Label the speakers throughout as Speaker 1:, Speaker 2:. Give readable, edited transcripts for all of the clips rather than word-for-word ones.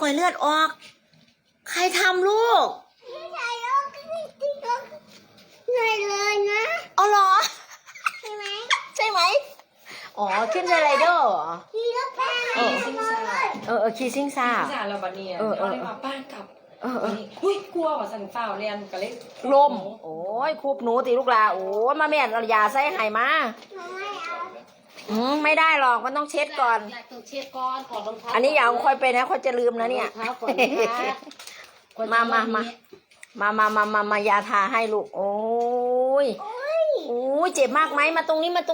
Speaker 1: อยเลือดออกใครทำลูก
Speaker 2: ไม่ใช่ลูกเหนื่อยเลยนะ
Speaker 1: เอาเหรอ
Speaker 2: ใช่ไหม
Speaker 1: ใช่ไหมอ๋อขึ้นสไลเดอร์เหรอ
Speaker 2: ขี่รถแพง
Speaker 3: ซิ่งซ่า
Speaker 1: ขี่ซิ่งซ่า
Speaker 3: เราบัดนี้เขาเลยมาป้านกับอุ้ยกลัวว่าสันฝ้าเรียนก็เลย
Speaker 1: ลมโอ้ยคูบหนูตีลูกลาโอ้ยมาแม่เราอย่าใส่ไห้มาไม่ได้หรอกมันต้องเช็ดก่อน
Speaker 3: ต้องเช็ดก่อนก่อนรองเท้า
Speaker 1: อันนี้อย่าค่อยไปนะค่อยจะลืมนะเนี่ยมายาทาให้ลูกโอ้ยโอ้ยเจ็บมากไหมมาตรงนี้
Speaker 3: ห้อง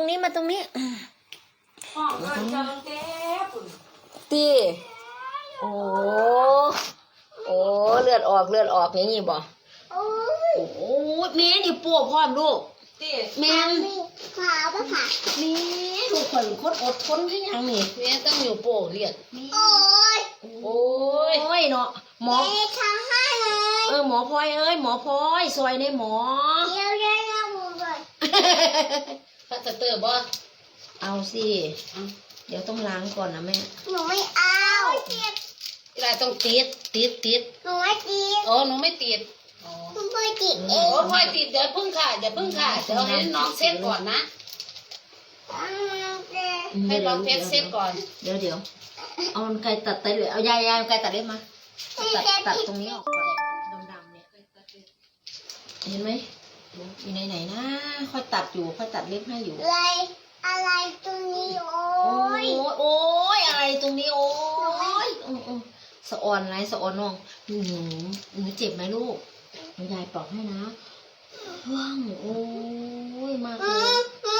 Speaker 3: ก็จะเจ็บ
Speaker 1: ตีโอ้เลือดออกอย่างนี้บ่โอ้ยแม่นี่ปวดพร้อมลูกแม่
Speaker 2: ขาปะค่ะ
Speaker 1: แม่ลูกคนอดทนที่ยังนี่
Speaker 3: แม่ต้องอยู่โป่เลือด
Speaker 1: โอ้ยเนาะหมอ
Speaker 2: ทำให้
Speaker 1: เลยหมอพลอยหมอพลอยซอยในหมอ
Speaker 2: เดี๋ยวหมูเลย
Speaker 3: พัสเตอร์บ่
Speaker 1: เอาสิเดี๋ยวต้องล้างก่อนนะแม่
Speaker 2: หนูไม่เอา
Speaker 3: อะไรต้องติด
Speaker 2: หนูไม่ติด
Speaker 3: หนูไม่ติด
Speaker 2: หนูไม่ติดเอ
Speaker 3: งพลอยติดเดี๋ยวพึ่งค่ะเดี๋ยวให้น้องเซ็ตก่อนนะให้น้องเซ็ตก่อน
Speaker 1: เดี๋ยวเอาไก่ตัดเลยเอายายไก่ตัดเล็บมาตัดตรงนี้ออกก่อนดำเนี่ยเห็นไหมอยู่ไหนนะค่อยตัดเล็บให้อยู่
Speaker 2: อะไรตรงนี้โอ้
Speaker 1: ยอะไรตรงนี้โอ้ยสะออนไรสะออนน้องหนูเจ็บไหมลูกยายปลอกให้นะว่างโอ้ยมากเลย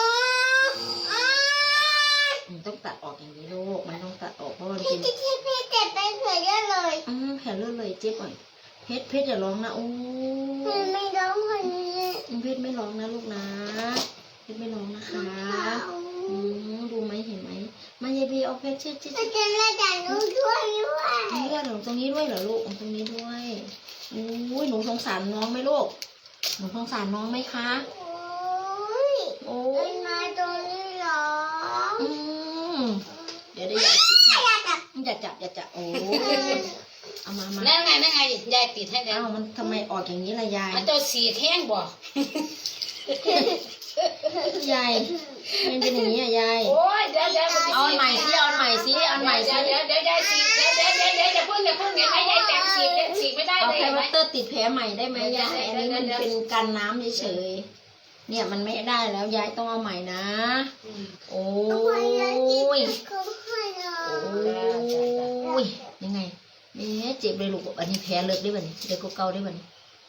Speaker 1: ต้องตัดออกอย่างนี้ลูกมันต้องตัดออกเพราะมันเป็น
Speaker 2: พี่เจ็บไปเฉยเลย
Speaker 1: แผลเลือดเลยเจ็บหน่อยเพชรอย่าร้องนะโอ้
Speaker 2: ยไม่ร้องคนนี้
Speaker 1: เพชรไม่ร้องนะลูกนะเพชรไม่ร้องนะคะดูไหมเห็นไหมมายายบีเอาเพชรเช็ด
Speaker 2: จะเลือดจากหนูด้วย
Speaker 1: เลือดตรงนี้ด้วยเหรอลูกตรงนี้ด้วยโอ้ยหนูสงสารน้องไหมลูกหนูสงสารน้องไหมคะ
Speaker 2: โอ้ยมาตรงนี้หรอ
Speaker 1: เดี๋ยวยายติดให้อย่าจับโอ้เอามา
Speaker 3: แล้วไงยายติดให้แล้ว
Speaker 1: มันทำไมออกอย่างนี้ล่ะยาย
Speaker 3: มันตัวสีแท่งบ่
Speaker 1: ยายมันเป็นอย่างนี้อ่ะยาย
Speaker 3: โอ้ยเดี๋ยว
Speaker 1: เอาใหม่สิเดี๋ยวยายสี
Speaker 3: เดี๋ยวจะพึ่งเนี่ยให้ยายแต่งสีไม่ได้เลย
Speaker 1: เอาไพวัตเตอร์ติดแผลใหม่ได้ไหมยายอันนี้มันเป็นกันน้ำเฉยเนี่ยมันไม่ได้แล้วยายต้องเอาใหม่นะโอ้ยยังไงเจ็บเลยลูกอันนี้แผลเลิกได้บ่เนี่ยเดี๋ยวก็เกาได้บ่เนี่ย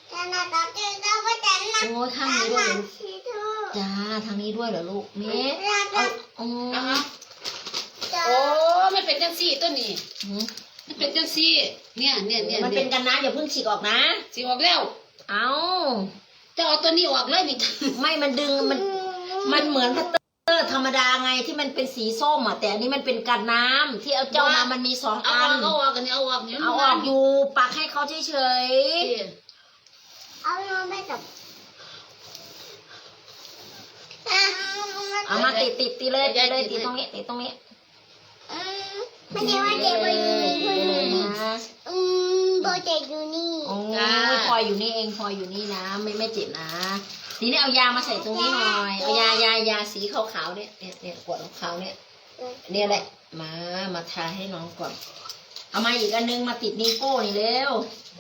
Speaker 1: โอ้ยข้างนี้ด้วยจ้าทางนี้ด้วยเหรอลูกเมย์โอ้
Speaker 3: ไม่เป็นจังซี่ตัวนี้มันเป็นจังซี่เนี่ย
Speaker 1: มันเป็นกันนะอย่าเพิ่งฉีกออกนะ
Speaker 3: ฉีกออกแล้ว
Speaker 1: เอา
Speaker 3: จะเอาตัวนี้ออกเลยนี่
Speaker 1: ไม่มันดึงมันเหมือนพัตเตอร์ธรรมดาไงที่มันเป็นสีส้มอ่ะแต่อันนี้มันเป็นกันน้ำที่เอาเจ้าน้ำมันมี2 อัน
Speaker 3: เอาออกกันเอาออก
Speaker 1: อยู่ปักให้เขาเฉย
Speaker 2: เอาน้องไม่จับ
Speaker 1: เอามาติดเลยติดตรงนี้
Speaker 2: ไม่ใช่ว่าเจ็บไปอยู่นี่โบเจ็บอยู่นี่
Speaker 1: โอ้ยพลอยอยู่นี่เองพลอยอยู่นี่นะไม่เจ็บนะทีนี้เอายามาใส่ตรงนี้หน่อยเอายาสีขาวๆเนี่ยขวดขาวเนี่ยแหละมาทาให้น้องก่อนเอามาอีกอันนึงมาติดนิ้วโป้นี่เร็ว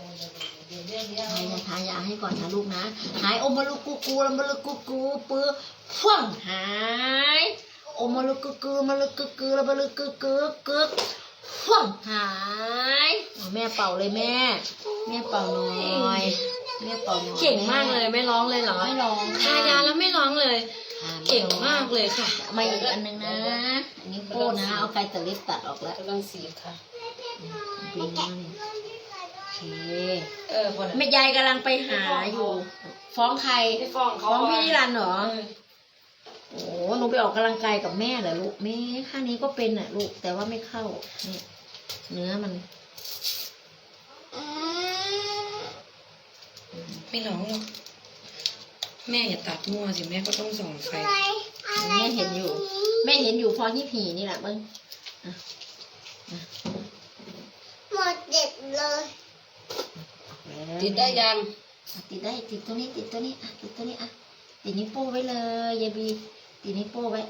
Speaker 1: ทายาให้ก่อนนะลูกนะหายโอมาลุกูแล้วมาลุกูปื้อฟ่องหายโอมาลุกูมาลุกูแล้วมาลุกูฟ่องหายแม่เป่าเลยแม่เป่าหน่อยแม่เป่าหน่อย
Speaker 3: เก่งมากเลยไม่ร้องเลยเหรอ
Speaker 1: ไม่ร้อง
Speaker 3: ทายาแล้วไม่ร้องเลยเก่งมากเลยค่ะ
Speaker 1: มาอีกอันนึงนะอันนี้โป้นะเอาไกตะลิบตัดออกแล้ว
Speaker 3: กำลังสีค่ะ
Speaker 1: บินมาแม่ยายกำลังไปหาอยู่ฟ้องใครฟ้องพี่นิรันดร์เหรอโอ้หนูไปออกกำลังกายกับแม่เหรอลูกแม่ข้างนี้ก็เป็นอ่ะลูกแต่ว่าไม่เข้านี่เนื้อมัน
Speaker 3: ไม่ร้องหรอกแม่อย่าตัดมั่วสิแม่ก็ต้องส่องไฟ
Speaker 1: แม่เห็นอยู่พอที่ผีนี่แหละมึง
Speaker 2: หมดเด็ดเลย
Speaker 3: ติดได้ยัง
Speaker 1: ติดได้ติดตัวนี้ติดตัวนี้อ่ะติดตัวนี้อ่ะติดนิ้วโป้ไว้เลยยายบีติดนิ้วโป้ไว้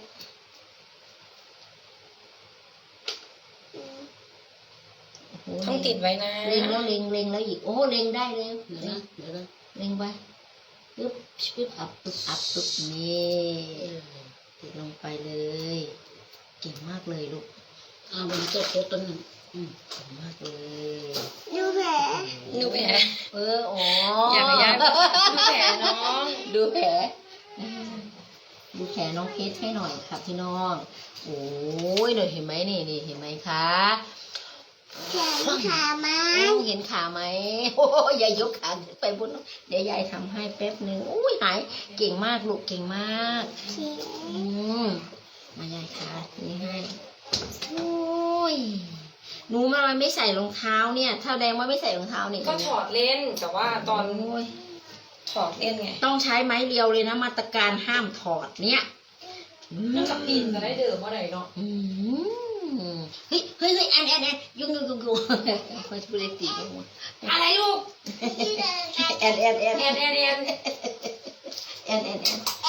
Speaker 3: ต้องติดไว้นะ
Speaker 1: เล็งแล้วเล็งแล้วอีกโอ้เล็งได้เลย
Speaker 3: เดี๋ยวนะเดี๋ยวนะ
Speaker 1: เล็งไปปึ๊บปึ๊บอัพปึ๊บอัพปึ๊บนี่ติดลงไปเลยเก่งมากเลยลูก
Speaker 3: เอามันเจ็บตัวหนึ่ง
Speaker 1: เก่งมากเลย
Speaker 2: ดูแผล
Speaker 3: ดูแผล
Speaker 1: อ๋อ
Speaker 3: อยากให้ยายดูแผลน้อง
Speaker 1: ดูแผลดูแผลน้องเพชรให้หน่อยครับพี่น้องโอ้ยเดี๋ยวเห็นไหมนี่เห็นไหมคะ
Speaker 2: แขนขาไหม
Speaker 1: โอ้เห็นขาไหมโอ้ยยายยกขาขึ้นไปบนเดี๋ยวยายทำให้แป๊บหนึ่งโอ้ยหายเก่งมากลูกเก่งมาก
Speaker 2: เขีย
Speaker 1: อืมมายายขานี่ให้โอ้ยหนูมาไม่ใส่รองเท้าเนี่ยถ้าแดงว่าไม่ใส่รองเท้านี่
Speaker 3: ก็ถอดเล่นแต่ว่าตอน
Speaker 1: โอ้ย
Speaker 3: ถอดเล่นไง
Speaker 1: ต้องใช้ไม้เรียวเลยนะมาตรการห้ามถอดเนี่ย
Speaker 3: นั่นกับปีนจะได้เดิมเมื่อไหร่เนาะ
Speaker 1: อืมเฮ้ยแอนยุ่งคอยพูดเลยตีกันหมด
Speaker 3: อะไรลูก
Speaker 2: ที่เดินกัน
Speaker 1: แอน
Speaker 3: แอน
Speaker 1: แอน